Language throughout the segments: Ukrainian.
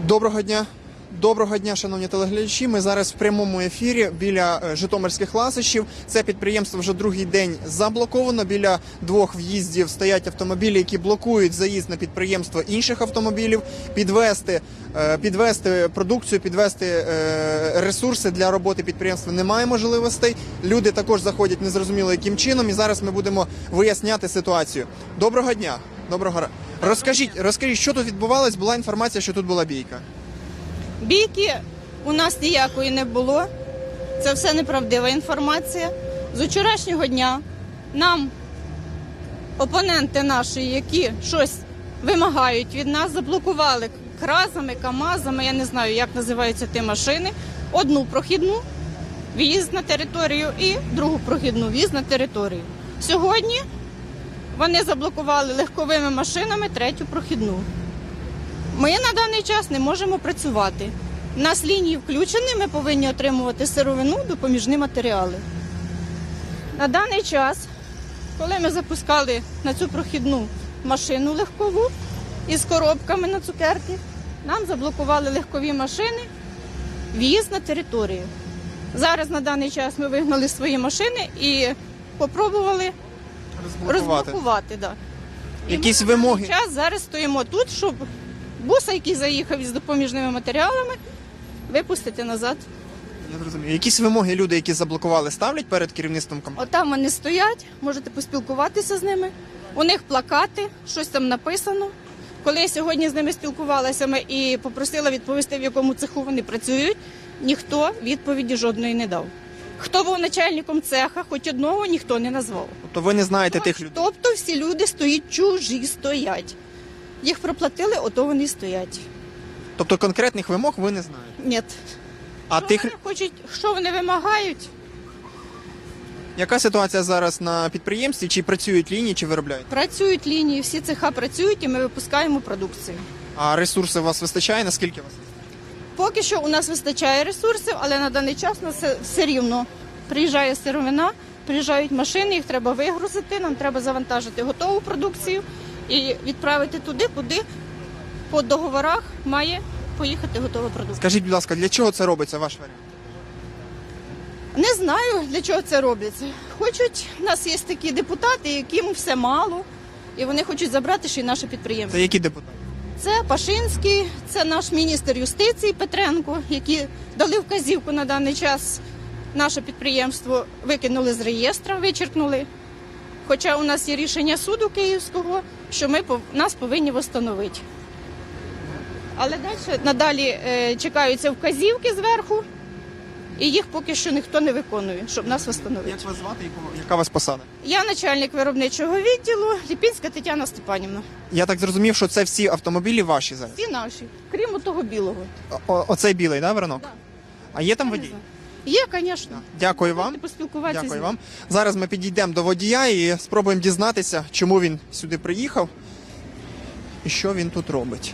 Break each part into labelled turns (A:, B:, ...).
A: Доброго дня. Доброго дня, шановні телеглядачі. Ми зараз в прямому ефірі біля Житомирських ласощів. Це підприємство вже другий день заблоковано. Біля двох в'їздів стоять автомобілі, які блокують заїзд на підприємство інших автомобілів. Підвести продукцію, підвести ресурси для роботи підприємства немає можливостей. Люди також заходять незрозуміло яким чином. І зараз ми будемо виясняти ситуацію. Доброго дня. Доброго ранку. Розкажіть, що тут відбувалось? Була інформація, що тут була бійка.
B: Бійки у нас ніякої не було. Це все неправдива інформація. З вчорашнього дня нам опоненти наші, які щось вимагають від нас, заблокували кразами, камазами, я не знаю, як називаються ті машини, одну прохідну в'їзд на територію і другу прохідну в'їзд на територію. Сьогодні вони заблокували легковими машинами третю прохідну. Ми на даний час не можемо працювати. У нас лінії включені, ми повинні отримувати сировину, допоміжні матеріали. На даний час, коли ми запускали на цю прохідну машину легкову із коробками на цукерки, нам заблокували легкові машини, в'їзд на територію. Зараз на даний час ми вигнали свої машини і спробували розблокувати. Да.
A: Якісь вимоги?
B: На даний час зараз стоїмо тут, щоб буса, який заїхав із допоміжними матеріалами, випустити назад.
A: Я зрозумів. Якісь вимоги люди, які заблокували, ставлять перед керівництвом компанії?
B: Отам вони стоять, можете поспілкуватися з ними. У них плакати, щось там написано. Коли я сьогодні з ними спілкувалася і попросила відповісти, в якому цеху вони працюють, ніхто відповіді жодної не дав. Хто був начальником цеха, хоч одного ніхто не назвав.
A: Тобто ви не знаєте тих людей?
B: Тобто всі люди стоять чужі, стоять. Їх проплатили, ото вони стоять.
A: Тобто конкретних вимог ви не знаєте?
B: Ні.
A: А тих...
B: Вони хочуть, що вони вимагають?
A: Яка ситуація зараз на підприємстві? Чи працюють лінії, чи виробляють?
B: Працюють лінії, всі цеха працюють і ми випускаємо продукцію.
A: А ресурсів у вас вистачає? Наскільки у вас вистачає?
B: Поки що у нас вистачає ресурсів, але на даний час у нас все рівно. Приїжджає сировина, приїжджають машини, їх треба вигрузити, нам треба завантажити готову продукцію і відправити туди, куди по договорах має поїхати готова продукція.
A: Скажіть, будь ласка, для чого це робиться, ваш варіант?
B: Не знаю, для чого це робиться. Хочуть, у нас є такі депутати, яким все мало, і вони хочуть забрати ще й наше підприємство.
A: Це які депутати?
B: Це Пашинський, це наш міністр юстиції Петренко, які дали вказівку на даний час. Наше підприємство викинули з реєстра, вичеркнули. Хоча у нас є рішення суду Київського, що нас повинні встановити. Але надалі чекаються вказівки зверху, і їх поки що ніхто не виконує, щоб нас встановити.
A: Як вас звати, яка у вас посада?
B: Я начальник виробничого відділу, Ліпінська Тетяна Степанівна.
A: Я так зрозумів, що це всі автомобілі ваші зараз?
B: Всі наші, крім того білого.
A: Оцей білий, да, Веронок?
B: Так.
A: А є там водій?
B: Є, звісно.
A: Дякую вам.
B: Поспілкуватися з
A: Дякую
B: ним.
A: вам. Зараз ми підійдемо до водія і спробуємо дізнатися, чому він сюди приїхав і що він тут робить.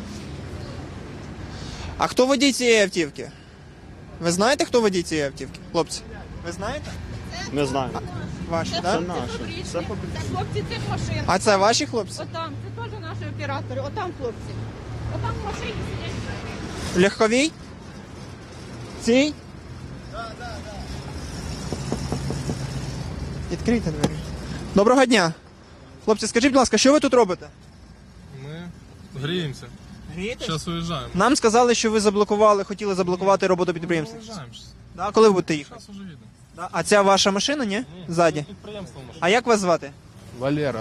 A: А хто водій цієї автівки? Ви знаєте, хто водій цієї автівки? Хлопці, ви знаєте?
C: Не знаю.
A: Ваші,
B: Це
A: так?
C: наші. Це
B: хлопці цих машин.
A: А це ваші хлопці?
B: Отам, це теж наші оператори, отам хлопці. Отам в машині сидять.
A: Легковій? Цій? Відкрийте двері. Доброго дня. Хлопці, скажіть, будь ласка, що ви тут робите?
D: Ми гріємося.
A: Грієтесь?
D: Зараз виїжджаємо.
A: Нам сказали, що ви хотіли заблокувати роботу підприємства.
D: Виїжджаємо.
A: Да? Коли ви будете їхати?
D: Зараз уже їдемо.
A: Да? А ця ваша машина, ні? Ззаді.
D: Підприємство може.
A: А як вас звати?
C: Валера.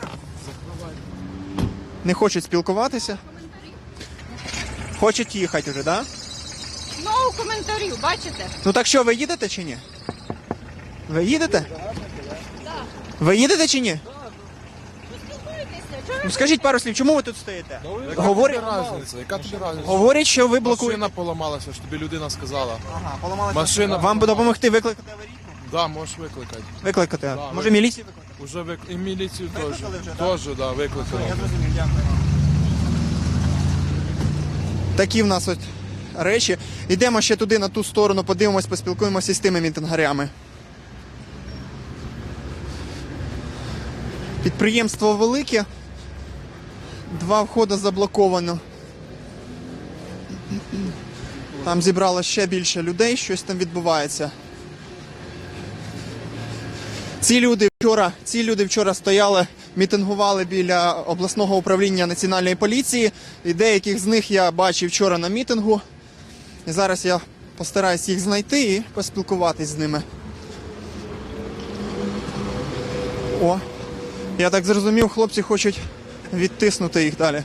A: Не хочуть спілкуватися? Хочуть їхати вже, так? Да?
B: Знову коментарів, бачите?
A: Ну так що, ви їдете чи ні? Ви їдете? Ви їдете чи ні? Ну скажіть пару слів, чому ви тут стоїте? Говорять,
C: Яка тобі разниця?
A: говорять, що ви блокуєте.
C: Машина поламалася, що тобі людина сказала.
A: Ага, поламалася.
C: Машина.
A: Вам би допомогти викликати аварійку?
C: Да, можеш викликати.
A: Викликати.
C: Да,
A: Може міліцію викликати?
C: Уже і міліцію теж.
A: Викликали вже, так?
C: Теж, да, викликали.
A: Я зрозумів, дякую. Такі в нас от речі. Йдемо ще туди, на ту сторону, подивимось, поспілкуємося з тими мітингарями. Підприємство велике. Два входи заблоковано. Там зібрало ще більше людей, щось там відбувається. Ці люди вчора стояли, мітингували біля обласного управління Національної поліції. І деяких з них я бачив вчора на мітингу. І зараз я постараюсь їх знайти і поспілкуватись з ними. О, я так зрозумів, хлопці хочуть відтиснути їх далі.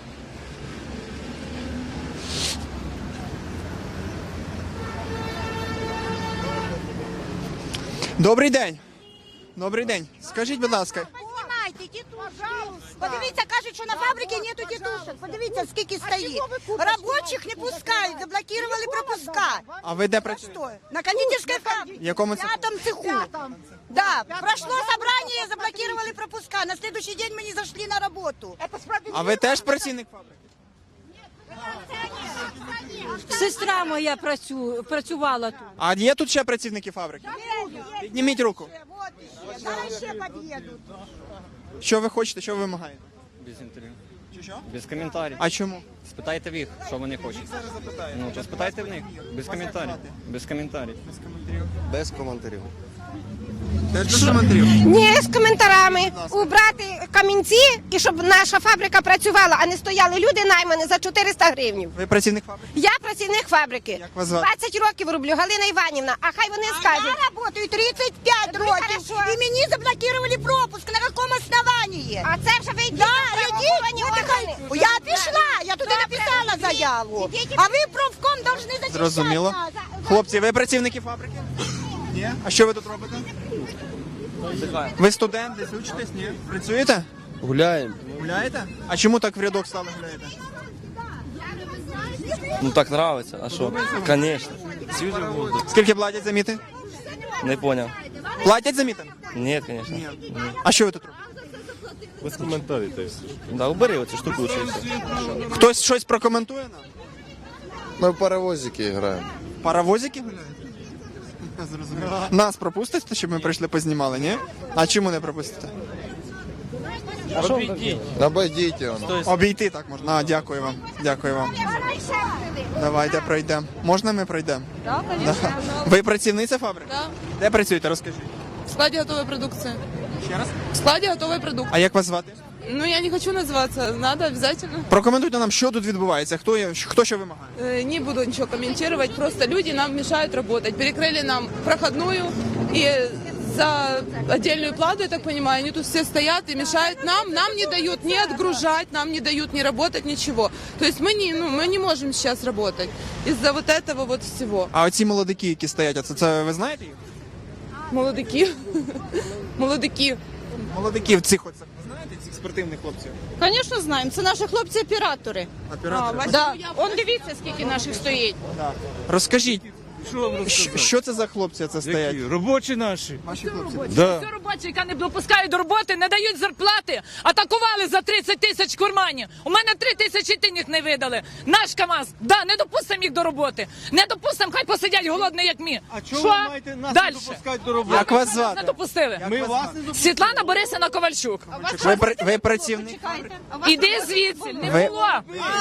A: Добрий день. Добрий день. Скажіть, будь ласка,
E: Знімайте тітушок. Подивіться, кажуть, що на фабриці нету тітушок. Подивіться, скільки стоїть. Робочих не пускають, заблокували пропуска.
A: а ви де працюєте?
E: Что? На кондитерской фабрике.
A: В якому
E: В
A: цеху?
E: пятом цеху. Да, прошло собрание, заблокировали пропуска. На следующий день мы не зашли на работу.
A: А ви теж працівник фабрики?
F: Сестра моя працювала тут.
A: А є тут ще працівники фабрики? Підніміть руку.
E: Вот еще. Зараз ще подъедут.
A: Що ви хочете, що ви вимагаєте?
G: Без інтерв'ю.
A: Що?
G: Без коментарів.
A: А чому?
G: Спитайте в їх, що вони хочуть. Ну, то спитайте в них. Без коментарів. Без коментарів.
H: Без коментарів.
A: Теж без коментарів.
I: Ні, з коментарами. Убрати камінці і щоб наша фабрика працювала, а не стояли люди наймані за 400 гривень.
A: Ви працівник фабрики?
I: Я працівник фабрики.
A: Як вас звати?
I: 20 років роблю, Галина Іванівна. А хай вони
E: Я
I: скажуть.
E: работаю 35 років. І мені заблокировали пропуск. На якому основании?
I: А це вже ви йдіть
E: Да,
I: на правоохоронні
E: идите.
I: органи.
E: Я пішла, я туди написала заяву. А ви профком должны защищать
A: Зрозуміло.
E: нас.
A: Хлопці, ви працівники фабрики? Ні. А що ви тут робите? Ви студент, десь учитесь? Ні. Працюєте?
H: Гуляємо.
A: Гуляєте? А чому так в рядок стали гуляєте?
H: Ну так нравиться, а що? Звісно. Свіжий воздух.
A: Скільки платять за мітинг?
H: Не поняв.
A: Платять за мітинг?
H: Ні, звісно.
A: А що ви тут робите?
D: Без коментарів.
H: Да, убери оцю штуку лучше.
A: Хтось щось прокоментує нам?
J: Ми в паровозики граємо.
A: Паровозики гуляють? Зрозуміло. Нас пропустите, щоб ми прийшли познімали, ні? А чому не пропустите?
J: Обойдіть його.
A: Обійти так можна. А, дякую вам. Дякую вам. Давайте пройдемо. Можна ми пройдемо?
B: Так,
A: Да. Ви працівниця фабрики?
K: Да.
A: Де працюєте? Розкажіть.
K: В складе готовой продукции.
A: Ще раз.
K: В складе готовой продукции.
A: А як вас звати?
K: Ну, я не хочу называться, надо обязательно.
A: Прокоментуйте нам, що тут відбувається, хто що вимагає.
K: Не буду ничего комментировать, просто люди нам мешают работать. Перекрыли нам проходную, и за отдельную плату, я так понимаю, они тут все стоят и мешают нам не дают ни отгружать, нам не дают ни работать, ничего. То есть мы не можем сейчас работать из-за вот этого вот всего.
A: А оці молодики, які стоять, це ви знаєте їх?
K: Молодики. Молодики.
A: Молодиків цих оце. Ви знаєте цих спортивних хлопців?
B: Звісно, знаємо. Це наші хлопці-оператори.
A: Оператори.
B: Да. Он дивіться, скільки наших стоїть.
A: Розкажіть, що це за хлопці це стоять?
D: Робочі наші.
A: Ваші хлопці.
D: Да.
F: Всю робочі, яка не допускають до роботи, не дають зарплати, атакували за 30 тисяч курманів. У мене 3 тисячі тиніх не видали. Наш КамАЗ, да, не допустимо їх до роботи. Не допустимо, хай посидять голодні, як ми.
D: А чого
F: Що?
D: ви маєте нас
F: Дальше.
D: не допускати до роботи?
A: Як вас
F: Не
A: звати?
F: допустили.
D: Ми вас не допускаємо.
F: Світлана Борисівна Ковальчук.
A: Ви працівник?
F: Іди звідси, не
A: Ви-
F: було.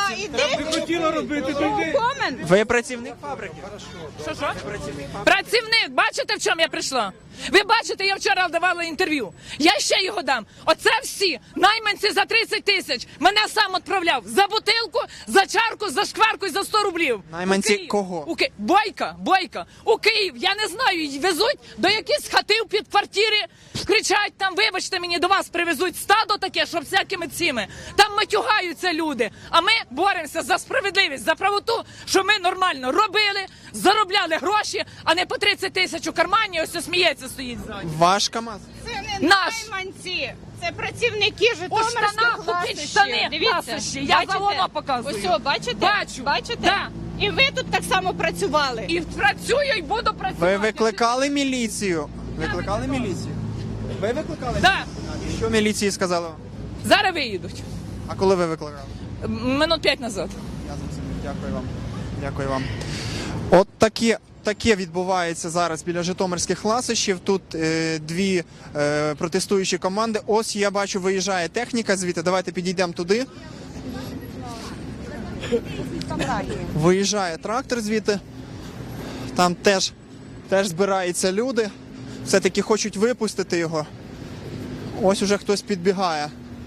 D: Ви хотіли робити туди.
A: Ви працівник фабрики?
F: Що? Працівник, бачите, в чому я прийшла? Ви бачите, я вчора давала інтерв'ю. Я ще його дам. Оце всі найманці за 30 тисяч. Мене сам відправляв за бутилку, за чарку, за шкварку і за 100 рублів.
A: Найманці
F: У Київ.
A: кого?
F: Бойка. У Київ, я не знаю, й везуть до якихось хатів під квартири, кричать там, вибачте мені, до вас привезуть стадо таке, що всякими цими. Там матюгаються люди. А ми боремося за справедливість, за правоту, що ми нормально робили, заробляли гроші, а не по 30 тисяч у кармані, ось сміється стоїть ззаді.
A: Ваш КамАЗ?
B: Це не
F: Наш.
B: найманці. Це працівники
F: У
B: Житомирських
F: штанах купіть штани, ласощі. Я за воно показую.
B: Ось, бачите?
F: Бачу.
B: Бачите?
F: Да.
B: І ви тут так само працювали.
F: І працюю, і буду працювати.
A: Ви викликали міліцію? Викликали міліцію? Ви викликали?
F: Да.
A: І що міліції сказали вам?
F: Зараз виїдуть.
A: А коли ви викликали?
F: Минут 5 назад.
A: Я зрозумів. Дякую вам. Дякую вам. От таке відбувається зараз біля житомирських ласощів. Тут дві протестуючі команди. Ось я бачу, виїжджає техніка звідти. Давайте підійдемо туди. Виїжджає трактор звідти. Там теж збираються люди. Все-таки хочуть випустити його. Ось уже хтось підбігає.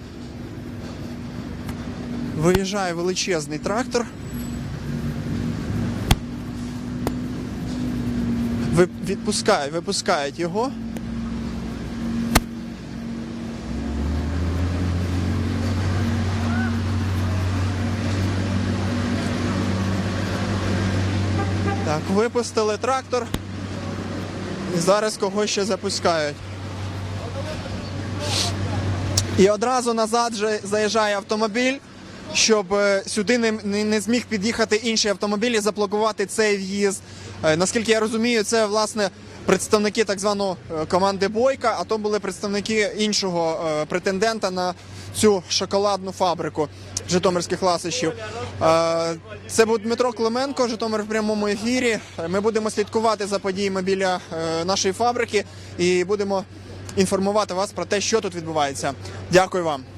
A: Виїжджає величезний трактор. Випускають його. Так, випустили трактор. І зараз когось ще запускають. І одразу назад вже заїжджає автомобіль, щоб сюди не зміг під'їхати інший автомобіль і заблокувати цей в'їзд. Наскільки я розумію, це, власне, представники так званої команди Бойка, а то були представники іншого претендента на цю шоколадну фабрику житомирських ласощів. Це був Дмитро Клименко, Житомир в прямому ефірі. Ми будемо слідкувати за подіями біля нашої фабрики і будемо інформувати вас про те, що тут відбувається. Дякую вам.